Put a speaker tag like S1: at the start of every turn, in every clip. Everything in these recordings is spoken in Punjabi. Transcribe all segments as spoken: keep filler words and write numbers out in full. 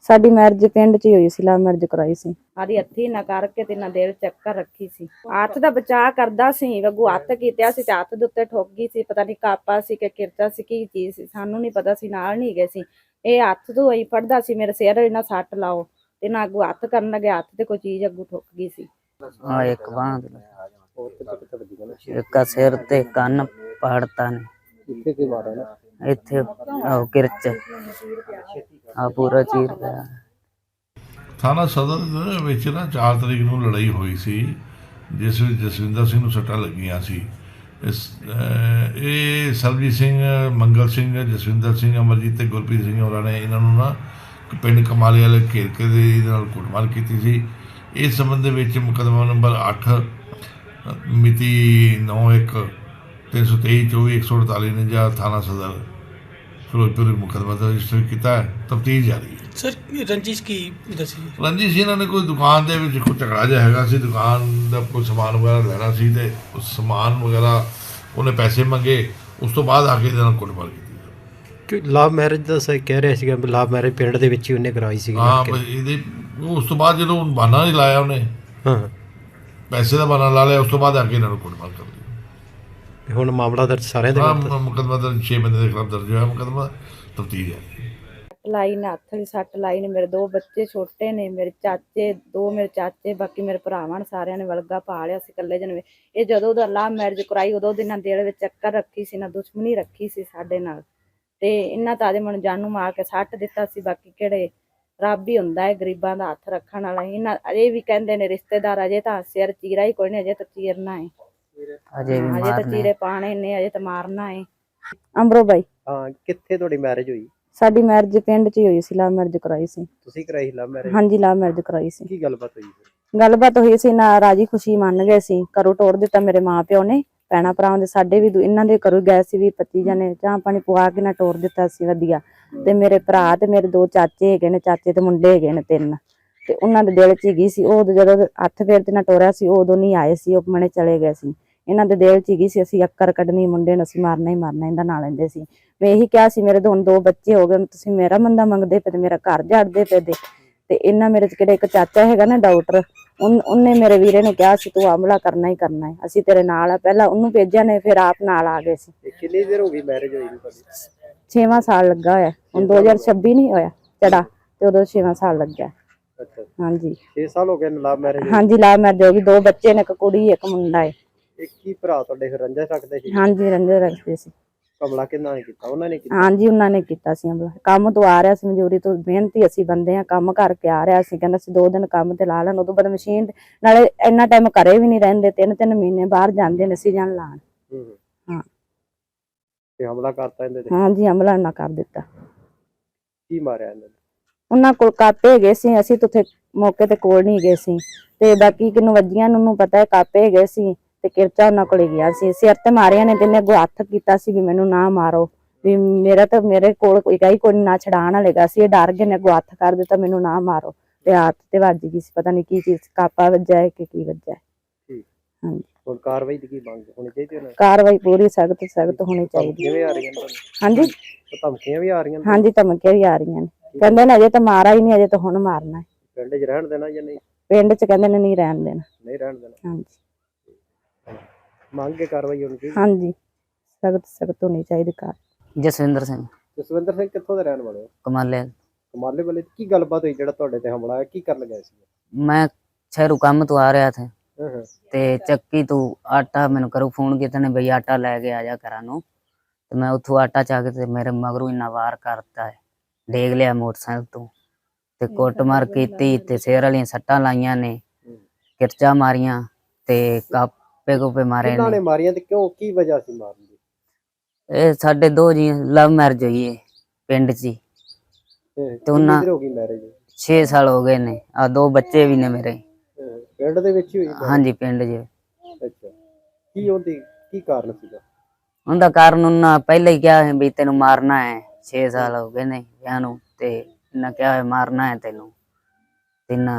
S1: ਸਾਡੀ ਮੈਰਿਜ ਪਿੰਡ 'ਚ ਹੀ ਹੋਈ ਸੀ, ਲਵ ਮੈਰਿਜ ਕਰਾਈ ਸੀ। ਆਦੀ ਹੱਥੀ ਨਾ ਕਰਕੇ ਤੇ ਨਾ ਦਿਲ ਚੱਕਰ ਰੱਖੀ ਸੀ। ਹੱਥ ਦਾ ਬਚਾਅ ਕਰਦਾ ਸੀ, ਵਗੂ ਹੱਥ ਕੀਤਿਆ ਸੀ ਤੇ ਹੱਥ ਦੇ ਉੱਤੇ ਠੋਕ ਗਈ ਸੀ। ਪਤਾ ਨਹੀਂ ਕਾਪਾ ਸੀ ਕਿ ਕਿਰਚਾ ਸੀ, ਕੀ ਚੀਜ਼ ਸੀ, ਸਾਨੂੰ ਨਹੀਂ ਪਤਾ ਸੀ, ਨਾਲ ਨਹੀਂ ਗਏ ਸੀ। ਇਹ ਹੱਥ ਤੋਂ ਹੀ ਫੜਦਾ ਸੀ, ਮੇਰੇ ਸਿਰ ਨਾ ਸੱਟ ਲਾਓ ਤੇ ਨਾ ਅੱਗੂ ਹੱਥ ਕਰਨ ਲੱਗੇ, ਹੱਥ ਤੇ ਕੋਈ ਚੀਜ਼ ਅੱਗੂ ਠੁੱਕ ਗਈ ਸੀ।
S2: ਹਾਂ ਇੱਕ ਬਾਂਹ ਇੱਕ ਸਿਰ ਤੇ ਕੰਨ ਪਾੜਤਾ ਨੇ
S3: ਇੱਥੇ ਕੀ ਮਾਰਿਆ ਨਾ
S2: ਇੱਥੇ ਉਹ ਕਿਰਚ ਆ ਪੂਰਾ ਚੀਰ ਪਿਆ।
S4: ਥਾਣਾ ਸਦਰ ਦੇ ਵਿੱਚ ਨਾ ਚਾਰ ਤਰੀਕ ਨੂੰ ਲੜਾਈ ਹੋਈ ਸੀ, ਜਿਸ ਵਿੱਚ ਜਸਵਿੰਦਰ ਸਿੰਘ ਨੂੰ ਸੱਟਾਂ ਲੱਗੀਆਂ ਸੀ। ਇਸ ਇਹ ਸਰਬਜੀਤ ਸਿੰਘ, ਮੰਗਲ ਸਿੰਘ, ਜਸਵਿੰਦਰ ਸਿੰਘ, ਅਮਰਜੀਤ ਤੇ ਗੁਰਪ੍ਰੀਤ ਸਿੰਘ ਹੋਰਾਂ ਨੇ ਇਹਨਾਂ ਨੂੰ ਨਾ ਪਿੰਡ ਕਮਾਲੇ ਵਾਲੇ ਘੇਰ ਕੇ ਦੇ ਇਹਦੇ ਨਾਲ ਕੁੱਟਮਾਰ ਕੀਤੀ ਸੀ। ਇਸ ਸੰਬੰਧ ਦੇ ਵਿੱਚ ਮੁਕੱਦਮਾ ਨੰਬਰ ਅੱਠ ਮਿਤੀ ਨੌ ਇੱਕ ਤਿੰਨ ਸੌ ਤੇਈ ਚੌਵੀ ਇੱਕ ਸੌ ਅੜਤਾਲੀ ਨੇ ਜਾਂ ਥਾਣਾ ਸਦਰ ਫਿਰੋਜ਼ਪੁਰ ਮੁਕੱਦਮਾ ਦਾ ਰਜਿਸਟਰ ਕੀਤਾ ਹੈ। ਤਫਤੀਸ਼ ਜਾਰੀ ਹੈ।
S5: ਸਰ ਰੰਜਿਸ਼ ਕੀ ਦੱਸੀ?
S4: ਰੰਜਿਸ਼ ਇਹਨਾਂ ਨੇ ਕੋਈ ਦੁਕਾਨ ਦੇ ਵਿੱਚ ਕੋਈ ਝਗੜਾ ਜਿਹਾ ਹੈਗਾ ਸੀ, ਦੁਕਾਨ ਦਾ ਕੋਈ ਸਮਾਨ ਵਗੈਰਾ ਲੈਣਾ ਸੀ ਤੇ ਉਸ ਸਮਾਨ ਵਗੈਰਾ ਉਹਨੇ ਪੈਸੇ ਮੰਗੇ, ਉਸ ਤੋਂ ਬਾਅਦ ਆ ਕੇ ਇਹਦੇ ਨਾਲ ਕੁੱਟਮਾਰ ਕੀਤੀ।
S3: ਕਿ ਲਵ ਮੈਰਿਜ ਦਾ ਸਹੀ ਕਹਿ ਰਿਹਾ ਸੀਗਾ, ਲਵ ਮੈਰਿਜ ਪਿੰਡ ਦੇ ਵਿੱਚ ਹੀ ਉਹਨੇ ਕਰਾਈ ਸੀ।
S4: ਹਾਂ ਇਹਦੇ ਉਸ ਤੋਂ ਬਾਅਦ ਜਦੋਂ ਬਹਾਨਾ ਨਹੀਂ ਲਾਇਆ ਉਹਨੇ,
S3: ਹਾਂ
S4: ਪੈਸੇ ਦਾ ਬਹਾਨਾ ਲਾ ਲਿਆ, ਉਸ ਤੋਂ ਬਾਅਦ ਆ ਕੇ ਇਹਨਾਂ ਨੂੰ ਕੁੱਟਮਾਰ ਕਰ ਦਿੱਤੀ।
S3: ਹੁਣ ਮਾਮਲਾ ਦਰਜ ਸਾਰਿਆਂ ਦੇ
S4: ਹਾਂ ਮੁਕੱਦਮਾ ਦਰਜ ਛੇ ਬੰਦੇ ਦੇ ਖਿਲਾਫ ਦਰਜ ਹੋਇਆ ਮੁਕੱਦਮਾ, ਤਫਤੀਸ਼ ਹੈ।
S1: ਲਾਈ ਨੇ ਹੱਥ ਵਾਲੀ ਸੱਟ ਲਾਈ ਨੇ। ਮੇਰੇ ਦੋ ਬੱਚੇ ਛੋਟੇ ਨੇ, ਮੇਰੇ ਚਾਚੇ ਦੋ ਮੇਰੇ ਚਾਚੇ, ਬਾਕੀ ਮੇਰੇ ਭਰਾਵਾਂ ਨੇ, ਸਾਰਿਆਂ ਨੇ ਵਲਗਾ ਪਾ ਲਿਆ ਸੀ ਇਕੱਲੇ ਜਣੇ। ਇਹ ਜਦੋਂ ਦਾ ਲਵ ਮੈਰਿਜ ਕਰਾਈ ਉਦੋਂ ਦੇ ਨਾ ਦਿਲ ਵਿੱਚ ਚੱਕਰ ਰੱਖੀ ਸੀ, ਨਾ ਦੁਸ਼ਮਣੀ ਰੱਖੀ ਸੀ ਸਾਡੇ ਨਾਲ। ਤੇ ਇਹਨਾਂ ਤਾਂ ਦੇ ਮਨ ਜਾਨੂ ਮਾਰ ਕੇ ਸੱਟ ਦਿੱਤਾ ਸੀ। ਬਾਕੀ ਕਿਹੜੇ ਰੱਬ ਹੀ ਹੁੰਦਾ ਹੈ ਗਰੀਬਾਂ ਦਾ ਹੱਥ ਰੱਖਣ ਵਾਲਾ। ਇਹਨਾਂ ਅਜੇ ਵੀ ਕਹਿੰਦੇ ਨੇ ਰਿਸ਼ਤੇਦਾਰ, ਅਜੇ ਤਾਂ ਸਿਰ ਚੀਰਾ ਹੀ ਕੋਈ ਨਹੀਂ, ਅਜੇ ਤਾਂ ਚੀਰਨਾ ਹੈ,
S2: ਅਜੇ ਵੀ
S1: ਅਜੇ ਤਾਂ ਚੀਰੇ ਪਾਣੇ ਨੇ, ਅਜੇ ਤਾਂ ਮਾਰਨਾ ਹੈ। ਅੰਬਰੋ ਬਾਈ।
S3: ਹਾਂ ਕਿੱਥੇ ਤੁਹਾਡੀ ਮੈਰਿਜ ਹੋਈ?
S1: ਸਾਡੀ ਮੈਰਿਜ ਪਿੰਡ 'ਚ ਹੀ ਹੋਈ ਸੀ, ਲਵ ਮੈਰਿਜ ਕਰਾਈ ਸੀ।
S3: ਤੁਸੀਂ ਕਰਾਈ ਲਵ ਮੈਰਿਜ?
S1: ਹਾਂਜੀ ਲਵ ਮੈਰਿਜ ਕਰਾਈ ਸੀ।
S3: ਕੀ ਗੱਲਬਾਤ ਹੋਈ?
S1: ਗੱਲਬਾਤ ਹੋਈ ਸੀ ਨਾ, ਰਾਜੀ ਖੁਸ਼ੀ ਮੰਨ ਗਏ ਸੀ। ਘਰੋਂ ਤੋੜ ਦਿੱਤਾ ਮੇਰੇ ਮਾਂ ਪਿਓ ਨੇ, ਭੈਣਾਂ ਭਰਾਵਾਂ ਦੇ ਸਾਡੇ ਵੀ ਇਹਨਾਂ ਦੇ ਘਰੋਂ ਗਏ ਸੀ। ਵੀ ਪੱਚੀ ਜਣੇ ਚਾਹ ਪਾਣੀ ਪਵਾ ਕੇ ਨਾ ਤੋੜ ਦਿੱਤਾ ਸੀ ਵਧੀਆ। ਤੇ ਮੇਰੇ ਭਰਾ ਤੇ ਮੇਰੇ ਦੋ ਚਾਚੇ ਹੈਗੇ ਨੇ, ਚਾਚੇ ਤੇ ਮੁੰਡੇ ਹੈਗੇ ਨੇ ਤਿੰਨ, ਤੇ ਉਹਨਾਂ ਦੇ ਦਿਲ 'ਚ ਗਈ ਸੀ। ਉਹ ਜਦੋਂ ਹੱਥ ਫੇਰ ਤੇ ਨਾ ਤੋੜਿਆ ਸੀ, ਉਦੋਂ ਨਹੀਂ ਆਏ ਸੀ, ਉਹ ਮਨੇ ਚਲੇ ਗਏ ਸੀ। ਇਹਨਾਂ ਦੇ ਦਿਲ 'ਚ ਗਈ ਸੀ ਅਸੀਂ ਅੱਕਰ ਕੱਢਣੀ, ਮੁੰਡੇ ਨੂੰ ਅਸੀਂ ਮਾਰਨਾ ਹੀ ਮਾਰਨਾ, ਇਹਦਾ ਨਾਂ ਲੈਂਦੇ ਸੀ। ਮੈਂ ਇਹੀ ਕਿਹਾ ਸੀ ਮੇਰੇ ਹੁਣ ਦੋ ਬੱਚੇ ਹੋ ਗਏ, ਤੁਸੀਂ ਮੇਰਾ ਮੰਦਾ ਮੰਗਦੇ ਪਏ ਤੇ ਮੇਰਾ ਘਰ ਝਾੜਦੇ ਪਏ ਦੇ। ਤੇ ਇਹਨਾਂ ਮੇਰੇ 'ਚ ਕਿਹੜਾ ਇੱਕ ਚਾਚਾ ਹੈਗਾ ਨਾ ਡਾਕਟਰ, ਉਹਨੇ ਮੇਰੇ ਵੀਰੇ ਨੂੰ ਕਿਹਾ ਸੀ ਤੂੰ ਹਮਲਾ ਕਰਨਾ ਹੀ ਕਰਨਾ ਹੈ, ਅਸੀਂ ਤੇਰੇ ਨਾਲ ਆ। ਪਹਿਲਾਂ ਉਹਨੂੰ ਭੇਜਿਆ ਨੇ, ਫਿਰ ਆਪ ਨਾਲ ਆ ਗਏ ਸੀ।
S3: ਕਿੰਨੀ ਦੇਰ ਹੋ ਗਈ ਮੈਰਿਜ ਹੋਈ ਤੁਹਾਡੀ?
S1: ਛੇਵਾਂ ਸਾਲ ਲੱਗਾ ਹੋਇਆ ਹੁਣ, ਦੋ ਹਜ਼ਾਰ ਛੱਬੀ ਨਹੀਂ ਹੋਇਆ ਚੜਾ ਤੇ ਉਦੋਂ ਛੇਵਾਂ ਸਾਲ ਲੱਗਾ।
S3: ਅੱਛਾ
S1: ਹਾਂਜੀ
S3: ਛੇ ਸਾਲ ਹੋ ਗਏ ਲਵ ਮੈਰਿਜ?
S1: ਹਾਂਜੀ ਲਵ ਮੈਰਿਜ ਹੋ ਗਈ, ਦੋ ਬੱਚੇ ਨੇ, ਇੱਕ ਕੁੜੀ ਇੱਕ ਮੁੰਡਾ ਹੈ।
S3: ਇੱਕ ਹੀ ਭਰਾ ਤੁਹਾਡੇ ਫਿਰ ਰੰਜਾ ਰੱਖਦੇ ਸੀ?
S1: ਹਾਂਜੀ ਰੰਜੇ ਰੱਖਦੇ ਸੀ।
S3: ਹਮਲਾ ਕਿੰਨਾ ਨੇ ਕੀਤਾ? ਉਹਨਾਂ ਨੇ ਕੀਤਾ?
S1: ਹਾਂਜੀ ਉਹਨਾਂ ਨੇ ਕੀਤਾ ਸੀ ਹਮਲਾ। ਕੰਮ ਤੋਂ ਆ ਰਿਹਾ ਸੀ, ਮਜ਼ਦੂਰੀ ਤੋਂ, ਮਿਹਨਤੀ ਅਸੀਂ ਬੰਦੇ ਆ, ਕੰਮ ਕਰਕੇ ਆ ਰਿਹਾ ਸੀ। ਕਹਿੰਦਾ ਸੀ ਦੋ ਦਿਨ ਕੰਮ ਤੇ ਲਾ ਲੈਣ, ਉਦੋਂ ਬਾਅਦ ਮਸ਼ੀਨ ਨਾਲੇ ਇੰਨਾ ਟਾਈਮ ਘਰੇ ਵੀ ਨਹੀਂ ਰਹਿੰਦੇ, ਤਿੰਨ ਤਿੰਨ ਮਹੀਨੇ ਬਾਹਰ ਜਾਂਦੇ ਨੇ ਸੀਜ਼ਨ ਲਾਉਣ। ਹਾਂ
S3: ਤੇ ਹਮਲਾ ਕਰਤਾ ਇਹਦੇ ਤੇ?
S1: ਹਾਂਜੀ ਹਮਲਾ ਨਾ ਕਰ ਦਿੱਤਾ।
S3: ਕੀ ਮਾਰਿਆ ਇਹਨਾਂ ਨੇ?
S1: ਉਹਨਾਂ ਕੋਲ ਕਾਪੇ ਹੈਗੇ ਸੀ, ਅਸੀਂ ਤਾਂ ਉੱਥੇ ਮੌਕੇ ਤੇ ਕੋਲ ਨਹੀਂ ਗਏ ਸੀ। ਤੇ ਬਾਕੀ ਕਿਨੂੰ ਵੱਜੀਆਂ ਨੂੰ ਪਤਾ ਹੈ, ਕਾਪੇ ਹੈਗੇ ਸੀ ਤੇ ਕਿਰਚਾ ਉਹਨਾਂ ਕੋਲ ਗਿਆ ਸੀ। ਸਿਰ ਤੇ ਮਾਰਿਆ ਨੇ, ਤਿੰਨੇ ਅੱਗੋਂ ਹੱਥ ਕੀਤਾ ਸੀ ਵੀ ਮੈਨੂੰ ਨਾ ਮਾਰੋ, ਵੀ ਮੇਰਾ ਤਾਂ ਮੇਰੇ ਕੋਲ ਕੋਈ ਗਾਈ ਕੋਈ ਨਾ ਛਡਾਣ ਵਾਲੇਗਾ ਸੀ। ਇਹ ਡਰ ਗਏ ਨੇ, ਅੱਗੋਂ ਹੱਥ ਕਰ ਦਿੱਤਾ ਮੈਨੂੰ ਨਾ ਮਾਰੋ, ਤੇ ਹੱਥ ਤੇ ਵੱਜ ਗਈ ਸੀ, ਪਤਾ ਨਹੀਂ ਕੀ ਚੀਜ਼, ਕਾਪਾ ਵੱਜਾ ਹੈ ਕਿ ਕੀ ਵੱਜਾ ਹੈ। ਹਾਂਜੀ
S3: ਹੁਣ ਕਾਰਵਾਈ ਦੀ ਕੀ ਮੰਗ ਹੋਣੀ ਚਾਹੀਦੀ ਹੈ?
S1: ਕਾਰਵਾਈ ਪੂਰੀ ਸਖਤ ਸਖਤ ਹੋਣੀ ਚਾਹੀਦੀ।
S3: ਕਿਵੇਂ ਆ ਰਹੀਆਂ ਨੇ?
S1: ਹਾਂਜੀ
S3: ਧਮਕੀਆਂ ਵੀ ਆ ਰਹੀਆਂ ਨੇ?
S1: ਹਾਂਜੀ ਧਮਕੀਆਂ ਵੀ ਆ ਰਹੀਆਂ ਨੇ, ਕਹਿੰਦੇ ਨੇ ਅਜੇ ਤਾਂ ਮਾਰਾ ਹੀ ਨਹੀਂ, ਅਜੇ ਤਾਂ ਹੁਣ ਮਾਰਨਾ ਹੈ।
S3: ਪਿੰਡ 'ਚ ਰਹਿਣ ਦੇਣਾ ਜਾਂ ਨਹੀਂ?
S1: ਪਿੰਡ 'ਚ ਕਹਿੰਦੇ ਨੇ ਨਹੀਂ ਰਹਿਣ ਦੇਣਾ।
S3: ਨਹੀਂ ਰਹਿਣ ਦੇਣਾ?
S1: ਹਾਂਜੀ
S3: ਮੰਗ ਕੇ ਕਾਰਵਾਈ ਹੋਣੀ ਚਾਹੀਦੀ?
S1: ਹਾਂਜੀ ਸਖਤ ਸਖਤ ਹੋਣੀ ਚਾਹੀਦੀ ਕਾਰ।
S2: ਜਸਵਿੰਦਰ ਸਿੰਘ
S3: ਜਸਵਿੰਦਰ ਸਿੰਘ ਕਿੱਥੋਂ ਦੇ ਰਹਿਣ ਵਾਲੇ ਹੋ?
S2: ਕਮਾਲੇ।
S3: ਕਮਾਲੇ ਵਾਲੇ। ਕੀ ਗੱਲਬਾਤ ਹੋਈ ਜਿਹੜਾ ਤੁਹਾਡੇ ਤੇ ਹਮਲਾ ਹੋਇਆ, ਕੀ ਕਰਨ ਗਏ ਸੀ?
S2: मैं शहरों काम तो आ रहा था
S3: ਹਾਂ
S2: ते ਚੱਕੀ तू आटा मैंने करू फोन किया ने बई आटा लैके आ जा घरा नू, ते मैं उथों आटा चाक ते मेरे मगरू इन्ना वार करता है, डेग लिया मोटरसाइकिल तू ते कुटमार कीती ते सिर वालियां सट्टां लाइयां ने, किरचा मारियां ते कापे कूपे मारे
S3: ਕਿਹਨਾਂ ਨੇ
S2: ने।
S3: ਮਾਰੀਆਂ ਤੇ ਕਿਉਂ, ਕੀ ਵਜ੍ਹਾ ਸੀ ਮਾਰਨ ਦੀ?
S2: ਇਹ ਸਾਡੇ ਦੋ ਜੀ ਲਵ ਮੈਰਿਜ ਹੋਈ ਹੈ ਪਿੰਡ 'ਚ ਹੀ,
S3: ਤੇ
S2: ਉਹਨਾਂ-
S3: ਕਿੰਨੀ ਦੇਰ ਹੋ ਗਈ ਮੈਰਿਜ?
S2: छे साल हो गए ने, आ दो बच्चे भी ने मेरे।
S3: ਪਿੰਡ ਦੇ ਵਿੱਚ ਹੀ ਹੋਈ?
S2: हाँ जी पिंड च।
S3: ਅੱਛਾ ਕੀ ਉਹਦੀ ਕੀ ਕਾਰਨ ਸੀਗਾ?
S2: उनका कारण उन्ना पहले ही क्या है भी तेन मारना है, छे साल हो गए ने ब्याह नू, ते इन्ना क्या है मारना है तेनू, इन्ना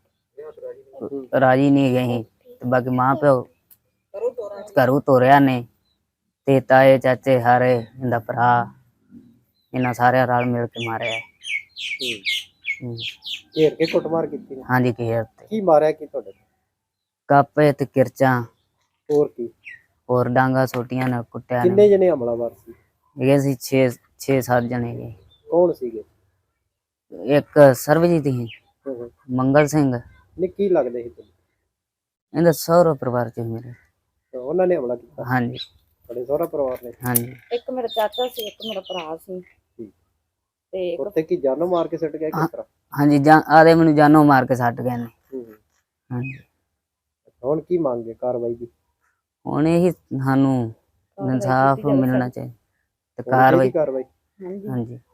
S2: राजी नहीं गई। ते बाकी मां प्यो घरों तोरिया ने, ते ताए चाचे हारे इंदा भरा, इन्ना सारे रल मिल के मारे है। ਹਮ,
S6: ਘੇਰ ਕੇ ਕੁੱਟਮਾਰ ਕੀਤੀ ਨੇ?
S2: ਹਾਂਜੀ ਘੇਰ ਤੇ
S6: ਕੀ ਮਾਰਿਆ ਕੀ ਤੁਹਾਡੇ?
S2: ਕਾਪੇ ਤੇ ਕਿਰਚਾਂ
S6: ਹੋਰ ਕੀ?
S2: ਹੋਰ ਡਾਂਗਾ ਛੋਟੀਆਂ ਨਾਲ ਕੁੱਟਿਆ
S6: ਕਿੰਨੇ
S2: ਨੇ।
S6: ਜਣੇ ਹਮਲਾਵਰ ਸੀ?
S2: ਇਹ ਸੀ ਛੇ ਛੇ ਸੱਤ ਜਣੇ ਜੀ।
S6: ਕੌਣ ਸੀਗੇ?
S2: ਇੱਕ ਸਰਬਜੀਤ ਸੀ,
S6: ਹੂੰ ਹੂੰ।
S2: ਮੰਗਲ ਸਿੰਘ,
S6: ਨਹੀਂ ਕੀ ਲੱਗਦੇ ਸੀ ਤੁਹਾਨੂੰ?
S2: ਇਹਦਾ ਸਹੁਰਾ ਪਰਿਵਾਰ ਚ ਮੇਰੇ।
S6: ਤੇ ਉਹਨਾਂ ਨੇ ਹਮਲਾ ਕੀਤਾ?
S2: ਹਾਂਜੀ
S6: ਤੁਹਾਡੇ ਸਹੁਰਾ ਪਰਿਵਾਰ ਨੇ?
S2: ਹਾਂਜੀ
S1: ਇੱਕ ਮੇਰਾ ਚਾਚਾ ਸੀ, ਇੱਕ ਮੇਰਾ ਭਰਾ ਸੀ
S6: ਠੀਕ।
S1: ਤੇ ਇੱਕ
S6: ਉੱਥੇ ਕੀ ਜਾਨੋਂ ਮਾਰ ਕੇ ਸੁੱਟ ਗਿਆ ਕਿਸ ਤਰ੍ਹਾਂ?
S2: ਹਾਂਜੀ ਜਾਂ ਆਦੇ ਮੈਨੂੰ ਜਾਨੋਂ ਮਾਰ ਕੇ ਛੱਡ ਗਏ ਨੇ।
S6: ਹੂੰ ਹੂੰ।
S2: ਹਾਂਜੀ
S6: ਹੁਣ ਕੀ ਮੰਗੇ ਕਾਰਵਾਈ ਦੀ?
S2: ਹੁਣ ਇਹੀ ਸਾਨੂੰ
S1: ਕਾਰਵਾਈ
S2: ਇਨਸਾਫ
S1: ਕੀਤੀ ਜਾਵੇ
S2: ਮਿਲਣਾ
S1: ਸਾਡੀ।
S2: ਚਾਹੀਦਾ ਤੇ
S6: ਹੋਣੀ ਚਾਹੀਦੀ
S2: ਕਾਰਵਾਈ।
S6: ਕਾਰਵਾਈ?
S1: ਹਾਂਜੀ
S2: ਹਾਂਜੀ